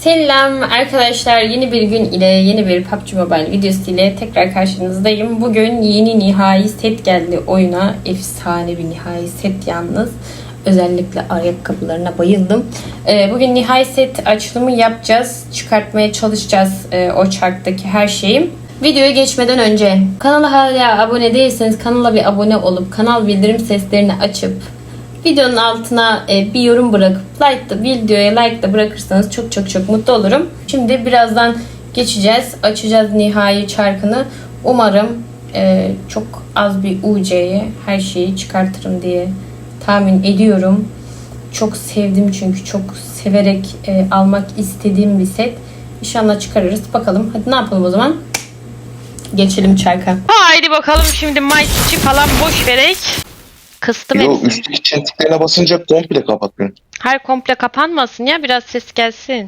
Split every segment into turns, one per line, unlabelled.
Selam arkadaşlar, yeni bir gün ile yeni bir PUBG Mobile videosu ile tekrar karşınızdayım. Bugün yeni nihai set geldi oyuna. Efsane bir nihai set yalnız. Özellikle ayakkabılarına bayıldım. Bugün nihai set açılımı yapacağız. Çıkartmaya çalışacağız o çarktaki her şeyi. Videoya geçmeden önce kanala hala abone değilseniz kanala bir abone olup kanal bildirim seslerini açıp videonun altına bir yorum bırakıp videoya like da bırakırsanız çok mutlu olurum. Şimdi birazdan geçeceğiz. Açacağız nihai çarkını. Umarım çok az bir UC'ye her şeyi çıkartırım diye tahmin ediyorum. Çok sevdim çünkü çok severek almak istediğim bir set. İnşallah çıkarırız. Bakalım. Hadi ne yapalım o zaman? Geçelim çarka.
Haydi bakalım şimdi Mayıs'çı falan boş verek. Kıstım
Yo,
hepsini.
üstteki çentiklerine basınca komple kapatmıyorum.
Hayır, komple kapanmasın ya, biraz ses gelsin.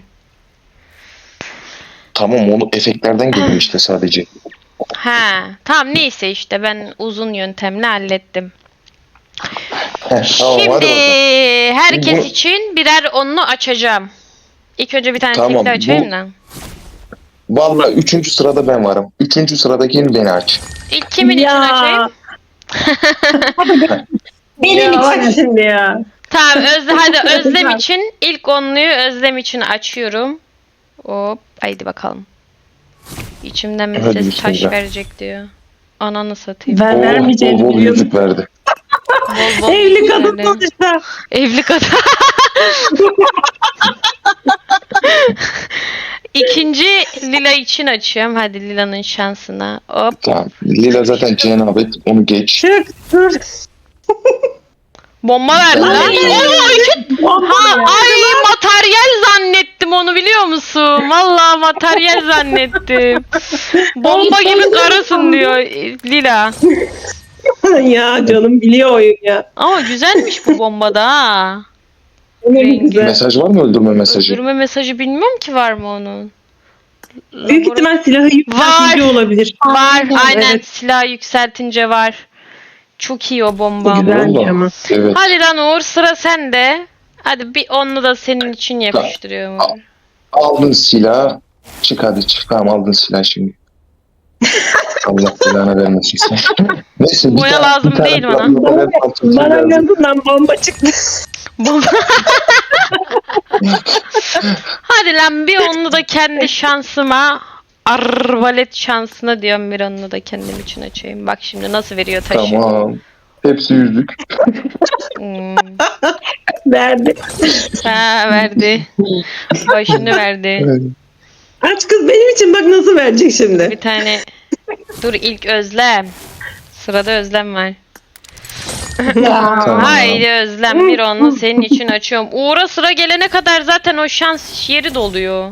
Tamam, onu efektlerden geliyor işte sadece.
Ha, tamam neyse işte ben uzun yöntemle hallettim.
Tamam,
Şimdi
hadi bakalım.
herkes
Bu-
için birer onlu açacağım. İlk önce bir tane
Tamam,
tekli açayım
bu-
da.
Vallahi 3. sırada ben varım. 3. sıradakini beni aç.
İlk kimin için açayım?
Benim için şimdi ya.
Tamam, hadi Özlem için ilk onluyu Özlem için açıyorum. Hop, haydi bakalım. İçimden bir
Hadi
ses taş
bismillah.
verecek diyor. Ananı satayım.
Ben vermeyeceğini
bol
biliyordum.
yüzük verdi.
Bol bol
Evli kadın
güzellerim.
sonuçta.
Evli kadın. İkinci Lila için açıyorum. Hadi Lila'nın şansına. Hop.
Tamam. Lila zaten cenabet, onu geç.
Çık dur.
Bomba verdi lan.
Ay.
Ay, materyal zannettim onu, biliyor musun? Vallahi materyal zannettim. Bomba gibi karısın diyor Lila.
Ya canım biliyor oyun ya.
Ama güzelmiş bu bombada ha.
Ne
Rengi.
güzel.
Mesaj var mı, öldürme mesajı?
Öldürme mesajı bilmiyorum ki, var mı onun?
Büyük ihtimal silahı yükseltici olabilir.
Var, aynen,
Evet.
silah yükseltince var. Çok iyi o bomba.
Güzelmiş
Vallahi.
ama.
Evet.
Hadi lan Uğur, sıra sende. Hadi bir onlu da senin için yapıştırıyorum Uğur.
Aldın silah. Çık hadi çık. Tamam, aldın silah şimdi. Allah belanı vermesin sen. Neyse,
Boya lazım değil bana.
Bana gözümden bomba çıktı.
Bomba. Hadi lan bir onlu da kendi şansıma, arvalet şansına diyorum, bir onlu da kendim için açayım. Bak şimdi nasıl veriyor taşı.
Tamam. Hepsi yüzük.
Hmm.
Verdi.
Ha, verdi. Başını verdi.
Aç kız benim için, bak nasıl verecek şimdi.
Bir tane. Dur, ilk Özlem. Sırada Özlem var.
Tamam.
Haydi Özlem, bir onlu senin için açıyorum. Uğur'a sıra gelene kadar zaten o şans yeri doluyor.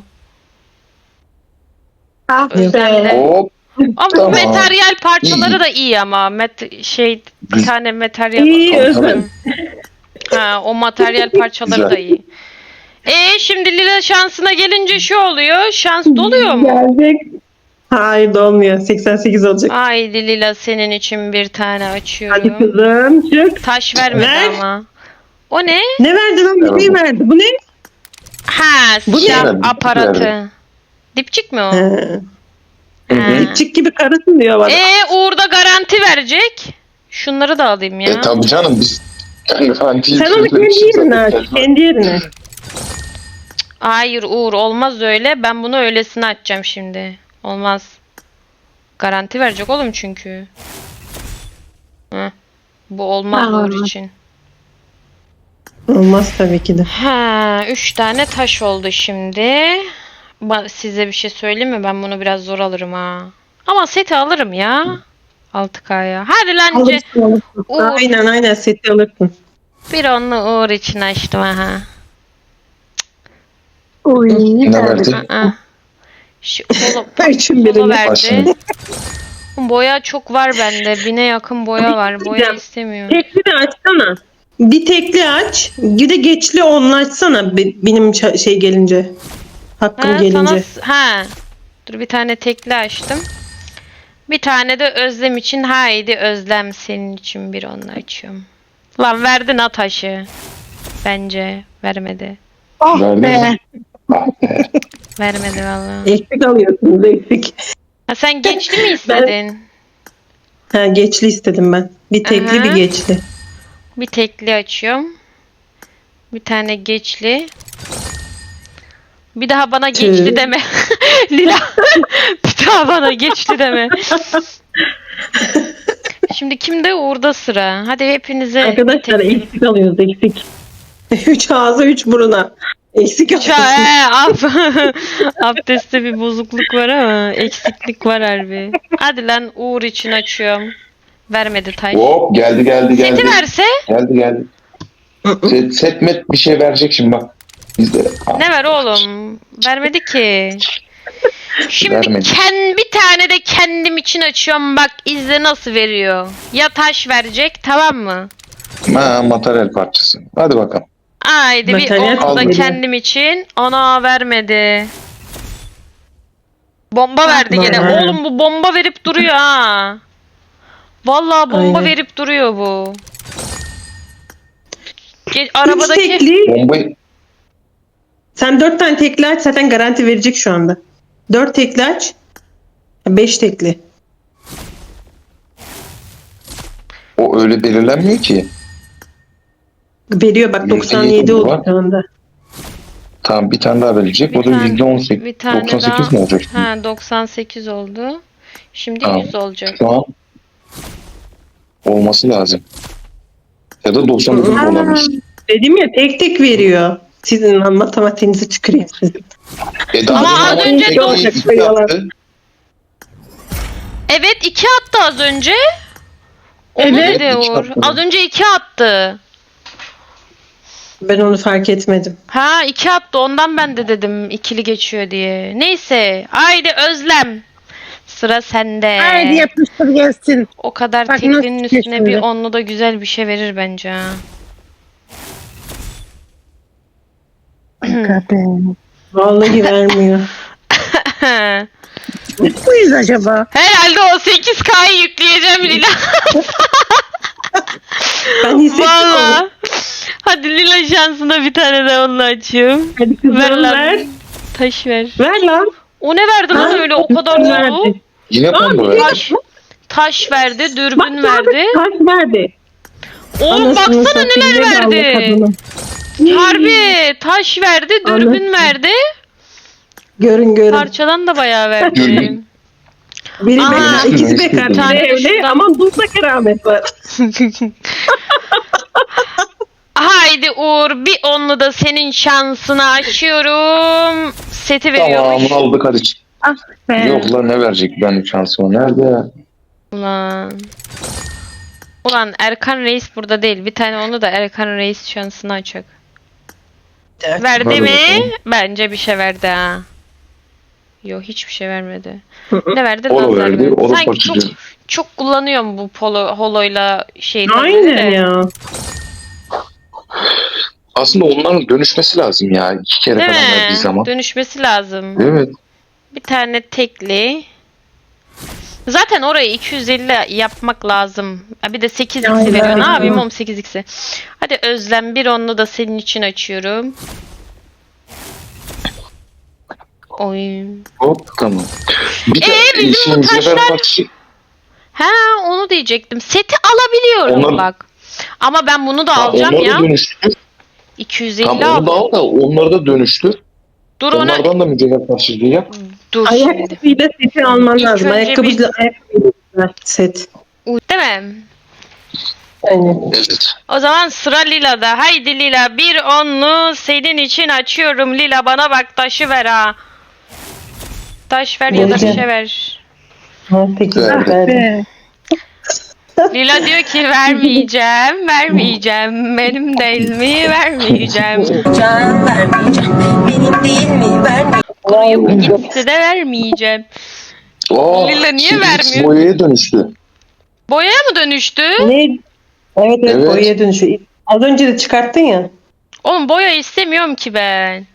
Ah
Özlem'de.
Hop.
Ama bu
Tamam.
materyal parçaları
İyi.
da iyi ama. Bir tane materyal.
İyi Özlem.
Ha, o materyal parçaları
Güzel.
da iyi. Şimdi Lila şansına gelince şu oluyor. Şans doluyor mu?
Gelecek. Hayır dolmuyor. 88 olacak.
Haydi Lila, senin için bir tane
Hadi
açıyorum.
kızım çık.
Taş vermedi
Ver.
ama. O ne?
Ne verdi lan? Bir şey verdi. Bu ne?
Ha,
Bu
silah
ne?
aparatı. Dipçik mi o?
He.
Ha.
Dipçik gibi karısın diyor bana.
Uğur da garanti verecek. Şunları da alayım ya.
Tabii canım, biz garantiyi
Sen onu kendi yerine aç. Kendi yerine.
Hayır Uğur, olmaz öyle. Ben bunu öylesine açacağım şimdi. Olmaz. Garanti verecek oğlum çünkü. Heh. Bu olmaz Uğur için.
Olmaz tabii ki de.
Ha, 3 tane taş oldu şimdi. Size bir şey söyleyeyim mi? Ben bunu biraz zor alırım ha. Ama seti alırım ya. 6K'ya. Hadi lan Uğur.
Aynen seti alırsın.
Bir onlu Uğur için açtım aha.
Ne verdi?
Aa. Şu
Üçün
polo
birini.
verdi.
Başını.
Boya çok var bende. 1000'e yakın boya var. Boya istemiyorum.
Tekli de açsana. Bir tekli aç. Bir de geçli onlu açsana. Benim şey gelince. Hakkım
Ha,
gelince.
Dur, bir tane tekli açtım. Bir tane de Özlem için. Haydi Özlem, senin için bir onlu açıyorum. Lan verdin ha taşı. Bence vermedi.
Oh
Verdi
be.
mi? Ah be.
Vermedi vallahi.
Eksik alıyorsunuz eksik.
Ha, sen geçli mi istedin?
Ha, geçli istedim ben. Bir tekli
Aha.
bir geçli.
Bir tekli açıyorum. Bir tane geçli. Bir daha bana geçli
Tüh.
deme. Lila. Bir daha bana geçli deme. Şimdi kimde? Uğur'da sıra. Hadi hepinize
Arkadaşlar eksik alıyoruz eksik. 3 ağza 3 buruna. Eksik alıyorsunuz.
Abdestte bir bozukluk var ama eksiklik var harbi. Hadi lan Uğur için açıyorum. Vermedi taş.
Hop geldi.
Seti verse
Geldi. Setmet bir şey verecek şimdi bak. Bizde.
ne ver oğlum? Vermedi ki. Şimdi
Vermedi.
bir tane de kendim için açıyorum. Bak izle nasıl veriyor. Ya taş verecek, tamam mı?
Materyal parçası. Hadi bakalım.
Haydi bir
Materyal
onu da
aldım.
kendim için. Ona vermedi. Bomba verdi gene.
Aha.
Oğlum bu bomba verip duruyor ha. Vallahi bomba
Aynen.
verip duruyor bu.
3
Arabadaki
tekli.
Bombayı
Sen 4 tane tekli aç zaten garanti verecek şu anda. 4 tekli aç. 5 tekli.
o öyle belirlenmiyor ki.
Veriyor bak
%7
97 oldu
var.
şu anda.
Tamam bir tane daha verecek. O da %18.
bir tane
98
daha.
mi olacak? şimdi?
Ha 98 oldu. Şimdi
Tamam.
100 olacak.
Şu an olması lazım. Ya da 99
Aa,
olabilir.
Dedim ya tek tek veriyor. Sizin matematiğinizi çıkarayım sizin.
Ama az önce
iki
olacak,
yaptı.
Evet 2 attı az önce. Onu
Evet,
dedi
iki
Uğur.
attı.
Az önce 2 attı.
Ben onu fark etmedim.
Ha 2 attı ondan ben de dedim ikili geçiyor diye. Neyse haydi Özlem. Sıra sende.
Haydi yapıştır gelsin.
O kadar
Bak
teklinin
nasıl
üstüne
geçmedi.
bir onlu da güzel bir şey verir bence ha.
Vallahi vermiyor.
Muyuz acaba?
Herhalde o 8K'yı yükleyeceğim Lila.
Ben hissettim onu.
Valla. Hadi Lila şansına bir tane de onunla açayım.
Hadi kızım
Ver lan.
ver.
Taş ver.
Ver lan.
O ne verdi lan
Ha,
öyle o kadar
verdi.
dolu?
Yine combo verdi.
Taş verdi,
Bak
dürbün verdi.
taş verdi.
Oğlum
Anasını
baksana
satayım,
neler
ne dalga
verdi.
kadını.
Harbi taş verdi, dürbün
Anasını.
verdi.
Görün.
Parçadan da bayağı verdi.
Dürbün.
Biri
Aha.
bekar, ikisi
Üstüne
bekar.
bir
tane
Biri
de
evli
şuradan-
ama dulda keramet var.
Haydi Uğur bir onlu da senin şansına açıyorum. Seti veriyormuş.
Tamam aldık hadi.
Be.
Yok lan ne verecek ben şansıma. Nerede ya?
Ulan Erkan Reis burada değil. Bir tane onu da Erkan Reis şansını açacak. Verdi
Hadi
mi?
bakalım.
Bence bir şey verdi ha. Yok hiçbir şey vermedi. Ne verdi?
Polo
Lazer
verdi,
verdi.
o da
Sanki çok,
parçacı.
çok kullanıyorum bu holoyla şeyi.
Aynen ya.
Aslında onların dönüşmesi lazım ya. 2 kere
Değil
falan verdiği
mi?
zaman.
Dönüşmesi lazım.
Evet.
Bir tane tekli. Zaten orayı 250 yapmak lazım. Ha, bir de 8x'i
Aynen.
veriyor. Ne yapayım oğlum 8x'i? Hadi Özlem bir onlu da senin için açıyorum. Oy.
Hop tamam. Bir de
bizim bu
mücevher
taşlar-
parçası.
Ha onu diyecektim. Seti alabiliyorum
Onlar-
bak. Ama ben bunu da
Ha,
alacağım
onları
ya.
da dönüştür.
250
Tamam onu da
aldım.
al da onları da dönüştür.
Dur ona.
Onlardan da mücevher parçası yap.
Dur şimdi.
Ayakkabıyla seti alman
İlk
lazım.
önce
Ayakkabıyla set.
Değil mi?
Aynen.
Evet.
O zaman sıra Lila'da. Haydi Lila bir onlu senin için açıyorum. Lila bana bak taşı ver ha. Taş ver ya da bir
Vereceğim.
şey ver.
Ha, peki
Verdi.
verdi.
Lila diyor ki vermeyeceğim. Benim değil mi? Vermeyeceğim.
Can vermeyeceğim. Benim değil mi? Vermeyeceğim.
Kuruyup gitti de vermeyeceğim. Lila niye vermiyor?
Boyaya dönüştü.
Boyaya mı dönüştü?
Ne? Evet
Evet.
boyaya dönüşüyor. Az önce de çıkarttın ya.
Oğlum boya istemiyorum ki ben.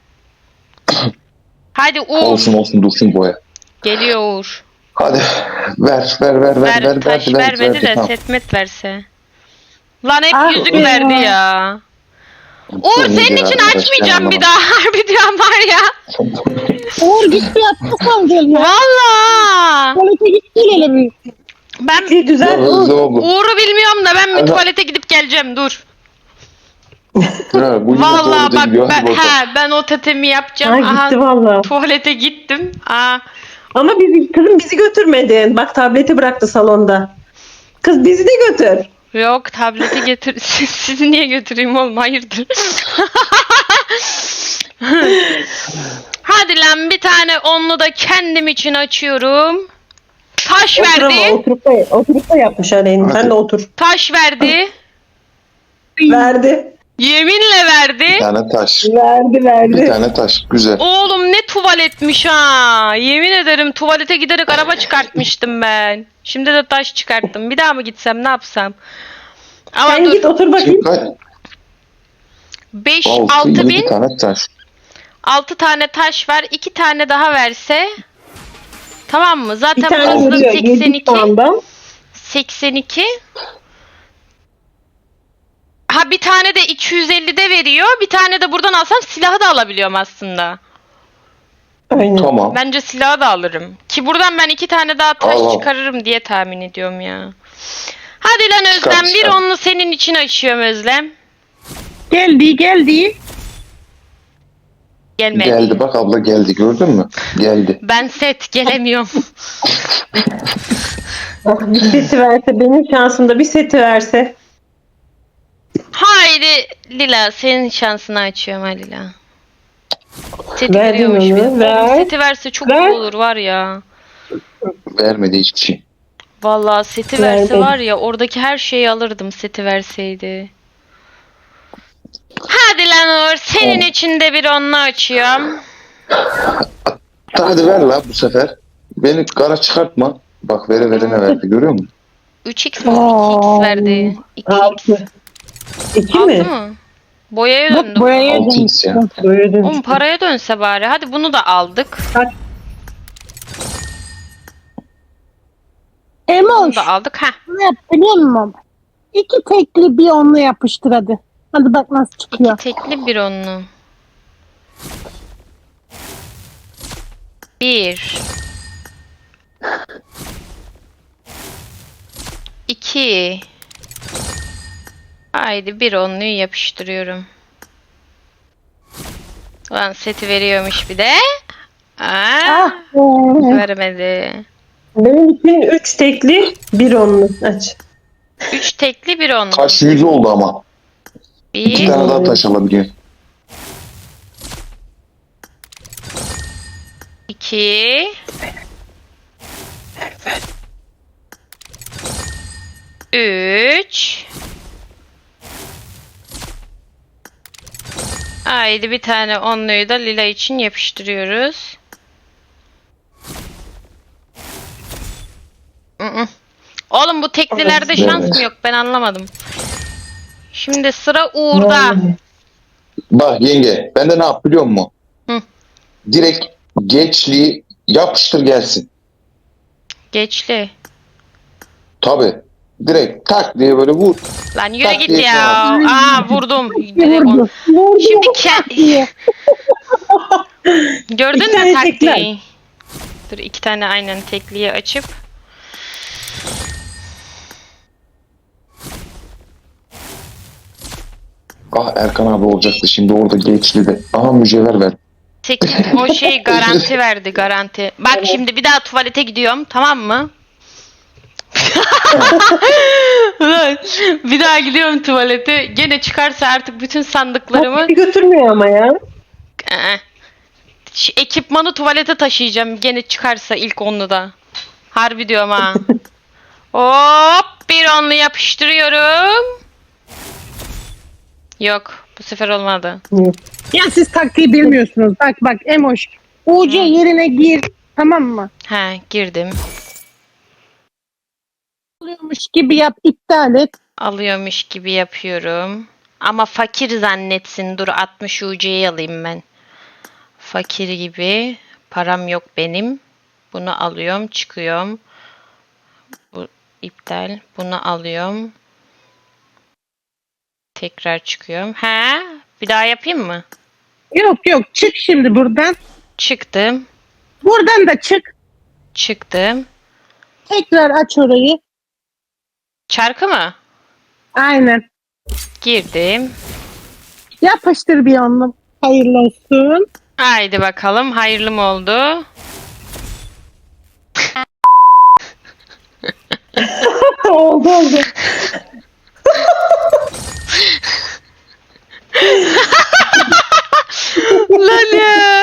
Hadi Uğur.
Olsun dursun boya.
Geliyor Uğur.
Hadi ver.
Taş vermedi de
tamam.
setmet verse. Lan hep
Ah
yüzük
be.
verdi ya. Uğur
Sen
senin
iyice
için
arkadaş,
açmayacağım
ben
bir daha. Harbi diyorum var ya.
Uğur git bir yapmasam gel ya.
Valla.
Tuvalete git gel hele bir.
Ben
Bir düzel.
Hızlı oldu.
Uğur'u bilmiyorum da ben bir
Ama-
tuvalete gidip geleceğim. Dur.
Ha, bu yine
Valla
doğru
bak
gidiyor. Hadi bakalım.
ben o tetemi yapacağım.
Ha
Aha,
gitti valla.
tuvalete gittim.
Ama kızım bizi götürmedin. Bak tableti bıraktı salonda. Kız bizi de götür.
Yok tableti getir. Sizi niye götüreyim oğlum? Hayırdır? Hadi lan bir tane onlu da kendim için açıyorum. Taş
Otur ama
verdi.
oturup da yapmış Aleyna. Sen de otur.
Taş verdi.
Verdi.
Yeminle verdi.
Bir tane taş. Bir
Verdi.
tane taş. Güzel.
Oğlum ne tuvaletmiş ha. Yemin ederim tuvalete giderek araba çıkartmıştım ben. Şimdi de taş çıkarttım. Bir daha mı gitsem ne yapsam? Ama
Sen
dur.
git otur bakayım.
Şimdi kaç?
5
6,
6
7
bin
tane taş.
6 tane taş var. 2 tane daha verse. Tamam mı?
Bir
Zaten
tane
burası da
vuruyor. 7
82.
puandan.
82. Ha bir tane de 250'de veriyor. Bir tane de buradan alsam silahı da alabiliyorum aslında.
Aynen.
Tamam.
Bence silahı da alırım. Ki buradan ben 2 tane daha taş
Al, al.
çıkarırım diye tahmin ediyorum ya. Hadi lan
Çıkar,
Özlem bir
çıkar.
onlu senin için açıyorum Özlem.
Geldi.
Gelmedi.
Geldi bak abla geldi gördün mü? Geldi.
Ben set gelemiyorum.
Oh, bir seti verse. Benim şansımda bir seti verse.
Haydi Lila senin şansını açıyorum ha Lila. Seti
Verdin
veriyormuş
onu,
bir. Oğlum,
ver.
seti verse çok
Ver.
iyi olur var ya.
Vermedi hiçbir şey.
Vallahi seti verse
Verdi.
var ya oradaki her şeyi alırdım seti verseydi. Hadi lan Uğur senin için de bir onlu açıyorum.
Hadi ver la bu sefer. Beni kara çıkartma. Bak vere ne verdi görüyor musun?
3x mi? 2x verdi. 2x.
6. 2
6
mi?
mı? Boyaya
Bak
döndü.
buraya
6x ya.
Böyle
Oğlum
dönmüş.
paraya dönse bari. Hadi bunu da aldık. Bunu
Emoş.
da aldık. Heh.
Ne yap biliyor musun? 2 tekli bir onlu yapıştır hadi. Hadi bak nasıl çıkıyor.
2 tekli bir onlu. 1 2 Haydi bir onluyu yapıştırıyorum. Ulan seti veriyormuş bir de.
Ah be.
Vermedi.
Benim için 3 tekli bir onlu. Aç.
3 tekli bir onlu.
Taş 100 oldu ama. 2
1
tane daha taş alabiliyor.
2 3 Haydi bir tane onluyu da Lila için yapıştırıyoruz. Mm-mm. Oğlum bu teklilerde şans mı yok ben anlamadım. Şimdi sıra Uğur'da.
Bak yenge ben de ne yap biliyor musun?
Hı.
Direkt geçliği yapıştır gelsin.
Geçli.
Tabi. Direkt tak diye böyle vur.
Lan yürü
Tak
git
diye
ya.
tamam.
Vurdum.
Vurdu.
Şimdi gördün
İki
mü
tane
taktiği?
tekler.
Dur 2 tane aynen tekliği açıp.
Ah Erkan abi olacaktı şimdi orada geçli de. Aha mücevher ver.
8 o şey garanti verdi garanti. Bak şimdi bir daha tuvalete gidiyorum tamam mı? Ulan, bir daha gidiyorum tuvalete. Gene çıkarsa artık bütün sandıklarımı
Beni götürmüyor ama ya.
Şu ekipmanı tuvalete taşıyacağım. Gene çıkarsa ilk onluda. Harbi diyorum ha. Hop bir onlu yapıştırıyorum. Yok bu sefer olmadı.
Ya siz taktiği bilmiyorsunuz. Bak Emoş. UC yerine gir. Tamam mı?
He girdim.
Oluyormuş gibi yap. İptal et.
Alıyormuş gibi yapıyorum. Ama fakir zannetsin. Dur 60 UC'yi alayım ben. Fakir gibi. Param yok benim. Bunu alıyorum. Çıkıyorum. Bu iptal. Bunu alıyorum. Tekrar çıkıyorum. He? Bir daha yapayım mı?
Yok çık şimdi buradan.
Çıktım.
Buradan da çık.
Çıktım.
Tekrar aç orayı.
Çarkı mı?
Aynen.
Girdim.
Yapıştır bir onunla. Hayırlı olsun.
Haydi bakalım. Hayırlı mı oldu?
oldu.
Lan ya.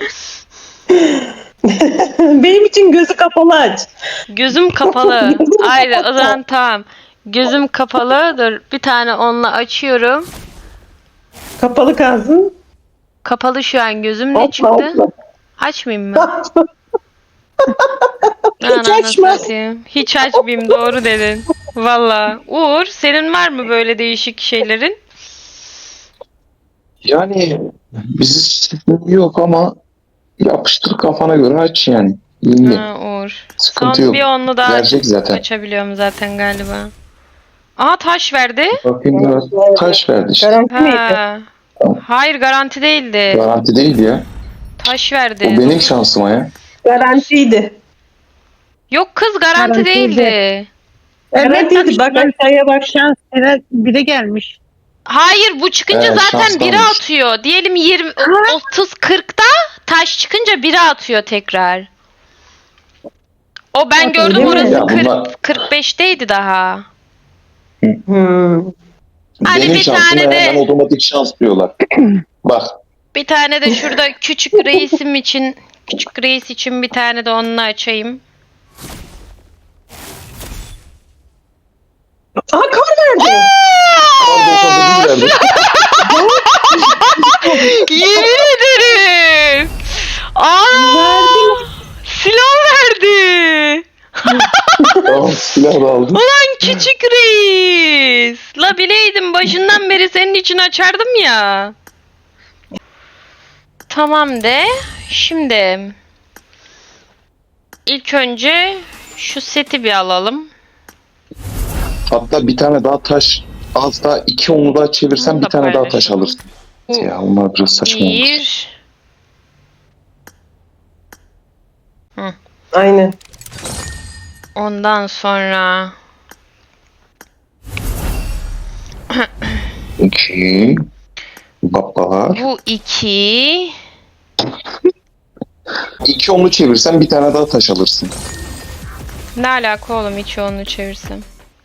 Benim için gözü kapalı aç.
Gözüm kapalı. Haydi o zaman tamam. Gözüm kapalı. Dur bir tane onunla açıyorum.
Kapalı kalsın.
Kapalı şu an gözüm. Ne
Hopla,
çıktı?
hopla.
Açmayayım mı?
Hiç
Ananı
açma.
satayım. Hiç açmayayım, doğru dedin. Valla. Uğur, senin var mı böyle değişik şeylerin?
Yani bizim yok ama yapıştır kafana göre aç yani. İyi.
Ha, Uğur.
Sıkıntı
Son
yok.
bir onlu daha
Verecek zaten.
açabiliyorum zaten galiba. Aa, taş verdi.
Bakayım biraz taş verdi işte.
Garanti miydi?
Ha. Hayır, garanti değildi.
Garanti değil ya.
Taş
O
verdi.
benim şansıma ya.
Garantiydi.
Yok kız, garanti
Garantiydi.
değildi.
Garantiydi. Bak aşağıya bak.
Şans bire gelmiş.
Hayır, bu çıkınca
Evet,
zaten
şanslı
biri
olmuş.
atıyor. Diyelim 20 30 40'da taş çıkınca biri atıyor tekrar. O ben gördüm,
mi?
orası
Ya
40
bunlar-
45'teydi daha.
Hmm.
Hadi
Benim
bir
şansıma
tane de-
hemen otomatik şans diyorlar. Bak
Bir tane de şurada küçük reisim için, küçük reis için bir tane de onunla açayım.
Aha kar verdi.
kar 98 verdi.
Yemin ederim. Aa! Silah verdi.
Tamam silah da aldım.
Ulan küçük reis. La bileydim, başından beri senin için açardım ya. Tamam de. Şimdi ilk önce şu seti bir alalım.
Hatta bir tane daha taş az daha 2 onu daha çevirsen
Bunu
bir
da
tane daha taş
paylaşalım.
alırsın. Ya onlar biraz saçma oldu.
Bir.
Aynen.
Ondan sonra
2 Babalar.
bu iki.
2 onu çevirsen bir tane daha taş alırsın.
Ne alaka oğlum, hiç onu çevirsem.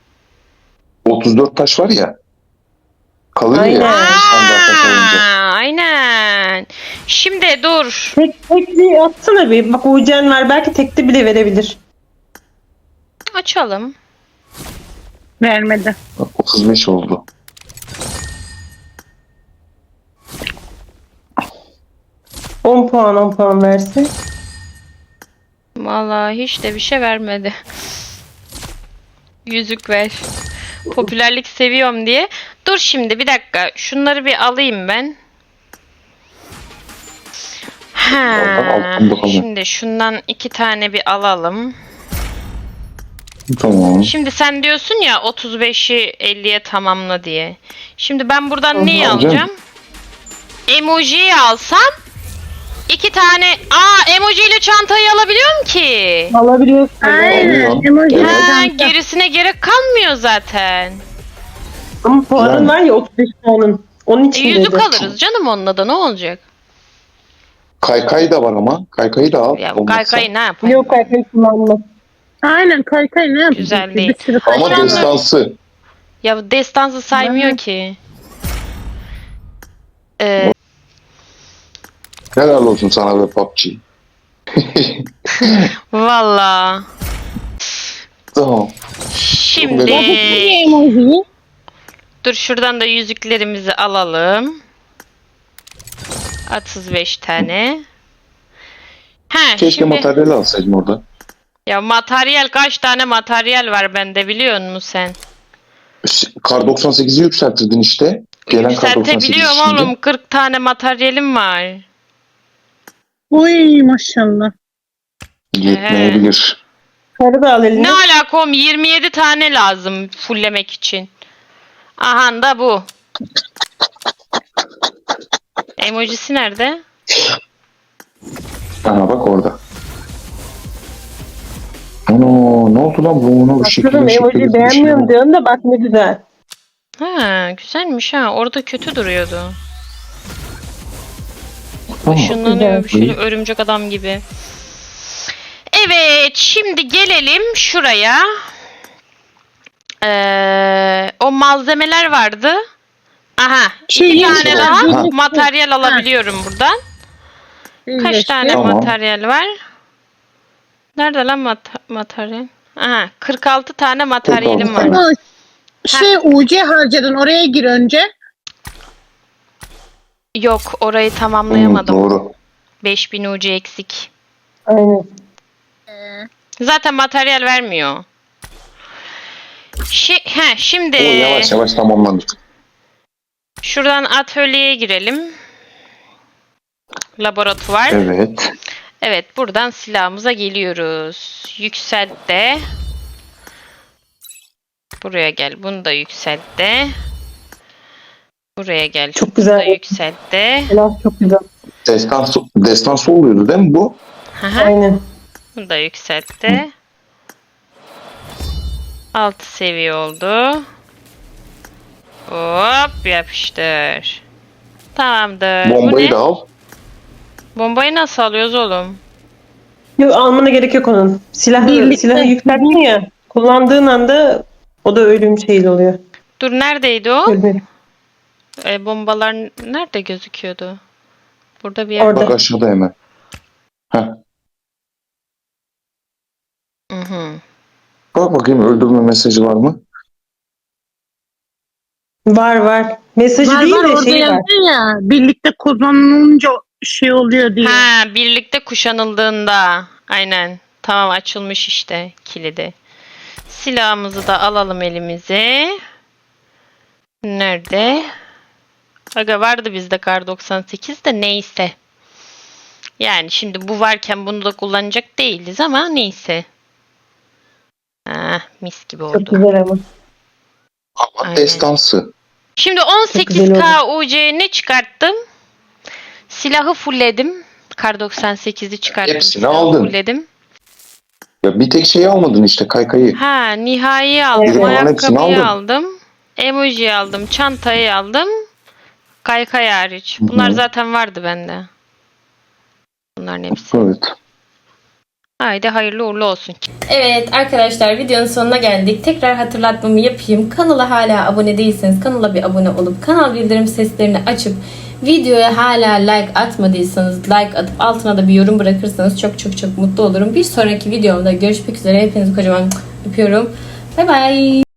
34 taş var ya. Kalır
Aynen.
ya. Sen daha taş alınca.
Aynen. Şimdi dur.
Tekli atsana bir. Bak Uğurcan var. Belki tekli bile verebilir.
Açalım.
Vermedi.
Bak 35 oldu.
On puan verse.
Vallahi hiç de bir şey vermedi. Yüzük ver. Popülerlik seviyorum diye. Dur şimdi bir dakika. Şunları bir alayım ben. Ha,
Al bakalım.
şimdi şundan 2 tane bir alalım.
Tamam.
Şimdi sen diyorsun ya 35'i 50'ye tamamla diye. Şimdi ben buradan neyi
alacağım.
alacağım? Emojiyi alsam 2 tane. Emoji ile çantayı alabiliyorum ki.
Alabiliyorsun.
Aynen.
Oluyor.
Emoji.
Evet.
Ha, gerisine gerek kalmıyor zaten.
Ama puanın
Yani.
var ya 35 puanın. Onun için
Yüzük
dedi.
alırız canım, onunla da ne olacak?
Kaykay da var ama. Kaykayı da al.
Ya
olmazsa.
kaykayı ne yapayım?
Yok kaykay kullanma.
Aynen kaykay ne yapacak?
Güzel
ki?
değil.
Bir sürü
Ama
Şu anda-
destansı.
Ya bu destansı saymıyor ki.
Helal olsun sana ve PUBG.
Valla.
Tamam.
Şimdi
Bir emoji.
dur şuradan da yüzüklerimizi alalım. 35 tane. Ha,
Keşke
şimdi
materyali alsaydım orada.
ya materyal, kaç tane materyal var bende biliyor musun sen?
Kar 98'i yükseltirdin işte. Gelen kar 98
Yükseltebiliyorum
şimdi.
oğlum. 40 tane materyalim var.
Uy maşallah.
Yetmeyebilir.
Karı da al eline.
Ne alaka oğlum, 27 tane lazım fulllemek için. Aha da bu. Emojisi nerede?
Aha bak orada. Ano, ne oldu lan bu? Ne oldu?
Aslında emoji beğenmiyorum diyorsun da bak ne güzel.
Ha, güzelmiş ha. Orada kötü duruyordu.
Tamam.
Işınlanıyor şöyle örümcek adam gibi. Evet, şimdi gelelim şuraya. O malzemeler vardı. Aha,
Şey,
iki tane daha
Ha.
materyal alabiliyorum buradan. Kaç tane
Tamam.
materyal var? Nerede lan materyal? Aha, 46 tane materyalim
46
var.
tane.
UC harcadın, oraya gir önce.
Yok, orayı tamamlayamadım.
Doğru.
5000 UC eksik.
Aynen.
Zaten materyal vermiyor. Şimdi
O yavaş yavaş tamamlandık.
şuradan atölyeye girelim. Laboratuvar.
Evet.
Evet, buradan silahımıza geliyoruz. Yükselt de. Buraya gel. Bunu da yükselt de. Buraya gel.
Çok
Bunu da
güzel.
yükselt de.
Helal, çok güzel.
Destansı oluyordu değil mi bu?
Aha,
Aynen.
bunu da yükselt de. 6 seviye oldu. Hop yapıştır. Tamamdır. Bu
Bombayı
ne?
da al.
Bombayı nasıl alıyoruz oğlum?
Yok, almana gerek yok onun.
Birlikte.
Silahı yükselttin ya. Kullandığın anda o da ölüm şeyli oluyor.
Dur neredeydi o?
Ölüm.
Bombalar nerede gözüküyordu? Burada bir yer.
Orada.
Bak aşağıda hemen. Heh.
Hı hı.
Bak bakayım öldürme mesajı var mı?
Var var. Mesajı değil de
orada
şey var.
yazıyor ya. Birlikte kullanılınca şey oluyor diye.
Ha, birlikte kuşanıldığında. Aynen. Tamam, açılmış işte kilidi. Silahımızı da alalım elimize. Nerede? Aga vardı bizde kar 98 de neyse. Yani şimdi bu varken bunu da kullanacak değiliz ama neyse. Ah, mis gibi
Çok
oldu.
güzel ama.
Ama
Aynen.
destansı.
Şimdi
güzel
18K UC ne çıkarttım? Silahı fullledim. Kar 98'i çıkarttım.
Hepsini
silahı
aldın.
Fullledim.
Ya bir tek şeyi almadın işte kaykayı.
Ha, nihai aldım.
Evet. Hepsini
Ayakkabıyı
aldın.
aldım. Emoji aldım. Çantayı aldım. Kaykay hariç.
Hı hı.
Bunlar zaten vardı bende. Bunların hepsi.
Evet.
Haydi hayırlı uğurlu olsun.
Evet arkadaşlar, videonun sonuna geldik. Tekrar hatırlatmamı yapayım. Kanala hala abone değilseniz kanala bir abone olup kanal bildirim seslerini açıp videoya hala like atmadıysanız like atıp altına da bir yorum bırakırsanız çok çok çok mutlu olurum. Bir sonraki videomda görüşmek üzere. Hepinizi kocaman öpüyorum. Bay bay.